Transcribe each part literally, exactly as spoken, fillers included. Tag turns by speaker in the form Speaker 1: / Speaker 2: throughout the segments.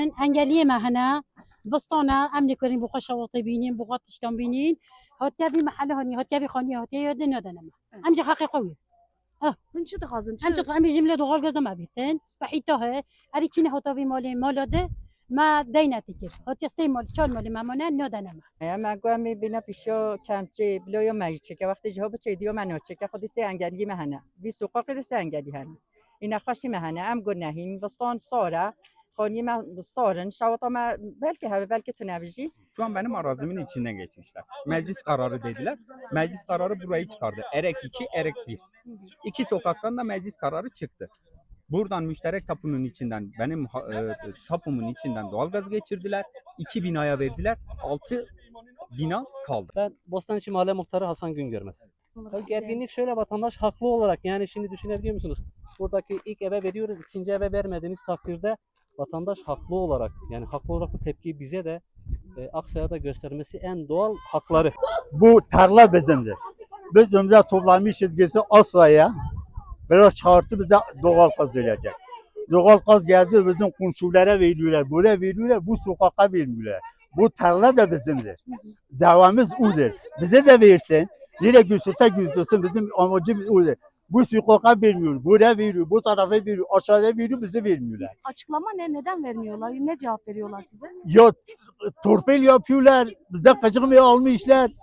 Speaker 1: Engelliye mehene بستانا امني كريم بو خشا وطيبينين بو غطشتان بينين هاتيا في محل هني هاتيا في خاني هاتيا يدنا دنا امجي حقي قوي اه
Speaker 2: هنچه تخازن
Speaker 1: انت امي جمله دو غال ما بيتن صبحيته هذه كينه هاتا في مالي مالاده ما دينتك هاتيا استي مال چال مال مامانه ندنا
Speaker 3: Ya magua mi bina pisho kamchi bloyo magiche که وقتی جواب چه دیو منو چه که خودی سه انگلی مهنه وی سوقا قد سه انگلی هن اینا خوشی مهنه ام گناهین وستان ساره خانی ما سارن şavata ma belki ha belki tünevci.
Speaker 4: Şu an benim arazimin içinden geçmişler. Meclis kararı dediler. Meclis kararı burayı çıkardı. Erek iki, Erek bir. İki sokaktan da meclis kararı çıktı. Buradan müşterek tapunun içinden benim e, tapumun içinden doğalgaz geçirdiler. İki binaya verdiler. Altı bina kaldı.
Speaker 5: Ben Bostancı Mahalle Muhtarı Hasan Güngörmez. Tabii gerginlik şöyle, vatandaş haklı olarak, yani şimdi düşünebiliyor musunuz? Buradaki ilk eve veriyoruz, ikinci eve vermediğimiz takdirde vatandaş haklı olarak, yani haklı olarak bu tepkiyi bize de e, Aksa'ya da göstermesi en doğal hakları.
Speaker 6: Bu tarla bizimdir. Biz ömrümüzde toplamışız gitsin Asya'ya. Biraz çağırtı bize doğal gaz verecek. Doğal gaz geldi bizim komşulara veriyorlar, buraya veriyorlar, bu sokaka vermiyorlar. Bu tarla da bizimdir. Davamız odur. Bize de versin. Nereye götürse götürsün, bizim amacımız odur. Bu sokaka vermiyor, buraya veriyor, bu tarafa veriyor, aşağıya veriyor, bize vermiyorlar.
Speaker 2: Açıklama ne? Neden vermiyorlar? Ne cevap veriyorlar size?
Speaker 6: Ya torpil yapıyorlar, bizden kaçırmaya almışlar.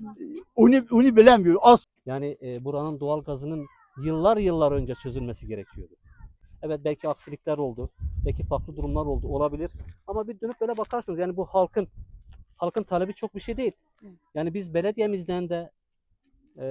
Speaker 6: Onu, onu bilemiyor. As
Speaker 5: Yani e, buranın doğal gazının yıllar yıllar önce çözülmesi gerekiyordu. Evet, belki aksilikler oldu, belki farklı durumlar oldu, olabilir. Ama bir dönüp böyle bakarsınız, yani bu halkın halkın talebi çok bir şey değil. Yani biz belediyemizden de e,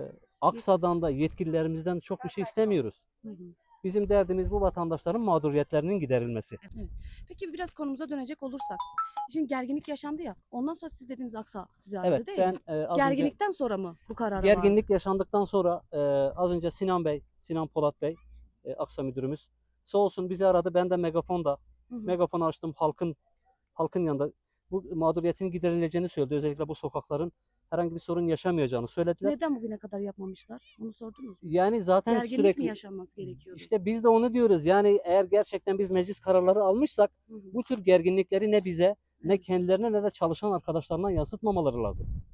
Speaker 5: Aksa'dan da yetkililerimizden çok bir şey istemiyoruz. Bizim derdimiz bu vatandaşların mağduriyetlerinin giderilmesi.
Speaker 2: Evet. Peki biraz konumuza dönecek olursak. Şimdi gerginlik yaşandı ya. Ondan sonra siz dediğiniz Aksa size ait
Speaker 5: Evet,
Speaker 2: değil
Speaker 5: ben
Speaker 2: mi?
Speaker 5: e, az önce
Speaker 2: Gerginlikten sonra mı bu karara
Speaker 5: gerginlik yaşandıktan sonra e, az önce Sinan Bey, Sinan Polat Bey, e, Aksa müdürümüz sağ olsun bizi aradı. Ben de megafonda megafonu açtım, halkın halkın yanında bu mağduriyetin giderileceğini söyledi. Özellikle bu sokakların herhangi bir sorun yaşamayacağını söylediler.
Speaker 2: Neden bugüne kadar yapmamışlar? Onu sordunuz mu?
Speaker 5: Yani zaten
Speaker 2: Gerginlik
Speaker 5: sürekli
Speaker 2: mi yaşanması gerekiyordu?
Speaker 5: İşte biz de onu diyoruz. Yani eğer gerçekten biz meclis kararları almışsak
Speaker 2: Hı hı.
Speaker 5: bu tür gerginlikleri ne bize, ne kendilerine, ne de çalışan arkadaşlarına yansıtmamaları lazım.